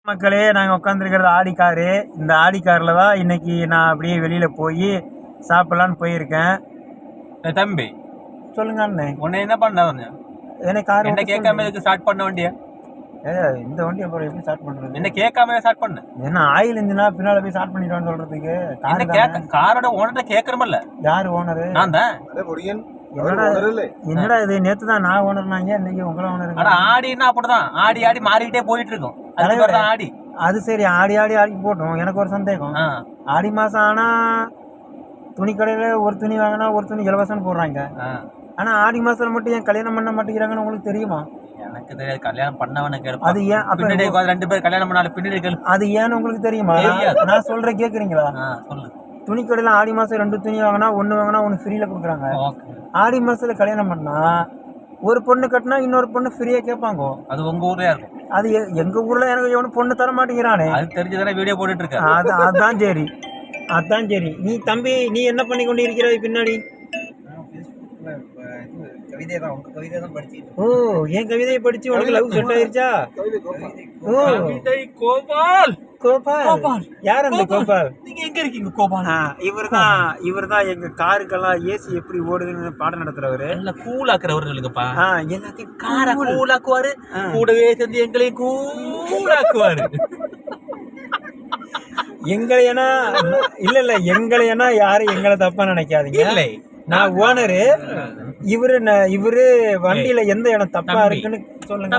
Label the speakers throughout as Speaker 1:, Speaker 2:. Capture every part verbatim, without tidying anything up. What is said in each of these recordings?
Speaker 1: மக்களே, நாங்கள் உட்காந்துருக்கிறது Audi car. இந்த ஆடி காரில் தான் இன்னைக்கு நான் அப்படியே வெளியில் போய் சாப்பிட்லான்னு போயிருக்கேன்.
Speaker 2: தம்பி
Speaker 1: சொல்லுங்க அண்ணே,
Speaker 2: உன்னை என்ன பண்ண
Speaker 1: எனக்கு கார்
Speaker 2: என்ன கேட்காம எதுக்கு ஸ்டார்ட் பண்ண வண்டியா?
Speaker 1: ஏ இந்த வண்டி அப்புறம் எப்படி ஸ்டார்ட் பண்ணுறது?
Speaker 2: என்ன கேட்காம ஸ்டார்ட் பண்ண?
Speaker 1: என்ன ஆயில் இருந்துன்னா பின்னால் போய் ஸ்டார்ட் பண்ணிடுவான்னு சொல்கிறதுக்கு?
Speaker 2: என்ன கேட்க காரோட ஓனர்கிட்ட கேட்கறமல்ல?
Speaker 1: யார் ஓனரு?
Speaker 2: நான் தான்.
Speaker 1: என்னடா இது, நேற்று தான் நான் ஓனர்னாங்க, இன்னைக்கு உங்களை ஓனர்.
Speaker 2: ஆனா ஆடினா அப்படிதான், ஆடி ஆடி மாறிக்கிட்டே போயிட்டு இருக்கும். அதுக்கு ஆடி
Speaker 1: அது சரி, ஆடி ஆடி ஆடி போட்டோம். எனக்கு ஒரு சந்தேகம், ஆடி மாதம் ஆனால் துணி கடையில் ஒரு துணி வாங்கினா ஒரு துணி இலவசம்னு போடுறாங்க. ஆனால் ஆடி மாதத்தில் மட்டும் ஏன் கல்யாணம் பண்ண மாட்டேங்கிறாங்கன்னு உங்களுக்கு தெரியுமா?
Speaker 2: எனக்கு தெரியாது. கல்யாணம் பண்ணவன கேட்பேன்.
Speaker 1: அது ஏன்
Speaker 2: பின்னாடி ரெண்டு பேர் கல்யாணம் பண்ணாலும் பின்னாடி கேள்வி.
Speaker 1: அது ஏன்னு உங்களுக்கு தெரியுமா? நான் சொல்கிறேன், கேட்குறீங்களா? சொல்லு. துணி கடையில் ஆடி மாதம் ரெண்டு துணி வாங்கினா ஒன்று வாங்கினா ஒன்று ஃப்ரீயில் கொடுக்குறாங்க. ஆடி மாதத்தில் கல்யாணம் பண்ணால் ஒரு பொண்ணு கட்டினா இன்னொரு பொண்ணு ஃப்ரீயாக கேட்பாங்க.
Speaker 2: அது உங்கள் ஊர்லேயே இருக்கும்.
Speaker 1: அது எங்கள் ஊரில் எனக்கு எவனும் பொண்ணு தர மாட்டேங்கிறானே.
Speaker 2: அது தெரிஞ்சுதானே வீடியோ போட்டுட்டு இருக்கேன்.
Speaker 1: அது அதான் சரி, அதான் சரி. நீ தம்பி, நீ என்ன பண்ணி கொண்டு இருக்கிறாய் பின்னாடி?
Speaker 3: கவிதை தான், உங்க கவிதை தான் படிச்சுட்டு.
Speaker 1: ஓ, என் கவிதையை படிச்சு உனக்கு லவ் செட் ஆயிருச்சா? ஓ,
Speaker 2: கவிதை கோபால்.
Speaker 1: கோபால் கோபால் யார் அந்த கோபால்?
Speaker 2: நீங்க எங்க இருக்கீங்க கோபால்?
Speaker 1: இவர் தான் இவர் தான் எங்க காருக்கெல்லாம் ஏசி எப்படி ஓடுதுன்னு பாடம் நடத்துறவரு.
Speaker 2: நல்ல கூலாக்குறவர்களுக்குப்பா.
Speaker 1: எல்லாத்தையும்
Speaker 2: காரை கூலாக்குவாரு, கூடவே சேர்ந்து எங்களையும் கூலாக்குவாரு.
Speaker 1: எங்களையனா இல்ல இல்ல எங்களையனா யாரும் எங்களை தப்பா நினைக்காதீங்க.
Speaker 2: இல்லை,
Speaker 1: நான் ஓனரு, இவரு இவரு வண்டியில எந்த இடம் தப்பா இருக்குன்னு சொல்லுங்க.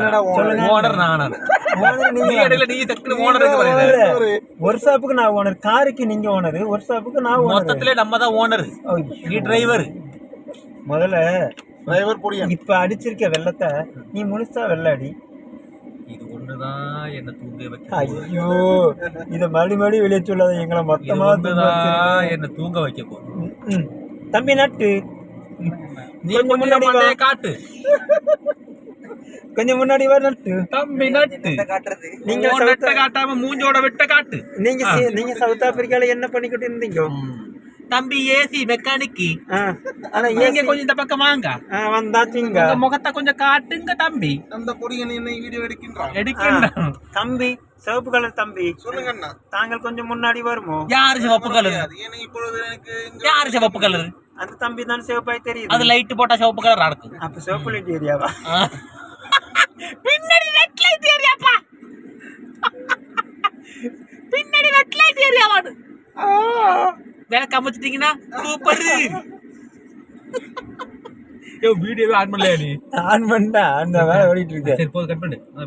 Speaker 1: ஒர்க் ஷாப்புக்கு நான் ஓனர், காருக்கு நீங்க ஓனர், ஒர்க் ஷாப்புக்கு நான் ஓனர்.
Speaker 2: மொத்தத்திலே நம்ம தான் ஓனர், நீ டிரைவர்.
Speaker 1: முதல்ல டிரைவர் போடியா. இப்ப அடிச்சிருக்க வெள்ளத்தை நீ முழுசா வெள்ள அடி.
Speaker 2: இது ஒண்ணுதான் என்ன தூங்க வைக்க.
Speaker 1: ஐயோ, இத மறுபடி மறுபடி வெளியே சொல்லாத, எங்களை மொத்தமா
Speaker 2: என்ன தூங்க வைக்க போறோம்.
Speaker 1: தம்பி நட்டு,
Speaker 2: நீ முன்னாடி காட்டு,
Speaker 1: கொஞ்சம் முன்னாடி வர நட்டு.
Speaker 2: தம்பி நட்டு
Speaker 3: காட்டுறது
Speaker 2: நீங்க நட்ட காட்டாம மூஞ்சோட விட்ட காட்டு.
Speaker 1: நீங்க நீங்க சவுத் ஆப்பிரிக்கால என்ன பண்ணிக்கிட்டு இருந்தீங்க
Speaker 2: தம்பி? AC mechanic.
Speaker 1: ஆனா
Speaker 2: நீங்க கொஞ்சம் இந்த பக்கம் வாங்க.
Speaker 1: வந்தாச்சுங்க,
Speaker 2: முகத்தை கொஞ்சம் காட்டுங்க தம்பி.
Speaker 3: அந்த பொடியன் என்ன வீடியோ எடுக்கின்றான்
Speaker 2: எடுக்கின்றான்.
Speaker 1: தம்பி சிவப்பு கலர் தம்பி, சொல்லுங்க அண்ணா, தாங்கள் கொஞ்சம் முன்னாடி வருமோ?
Speaker 2: யாரு சிவப்பு கலர்? யாரு சிவப்பு கலர்?
Speaker 1: அந்த தம்பி தான் சிவப்பாய் தெரியுது.
Speaker 2: அது லைட் போட்டா சிவப்பு கலர் இருக்கும்.
Speaker 1: அப்ப சிவப்பு லைட் ஏரியாவா?
Speaker 2: பின்னாடி ரெட் லைட் ஏரியாப்பா, பின்னாடி ரெட் லைட் ஏரியாவாடு. வேற கமிச்சிட்டீங்கன்னா சூப்பர். யோ வீடியோவே ஆன் பண்ணலையா? நீ
Speaker 1: ஆன் பண்ணா அந்த வேலை ஓடிட்டு இருக்கு.
Speaker 2: சரி போது, கட் பண்ணு.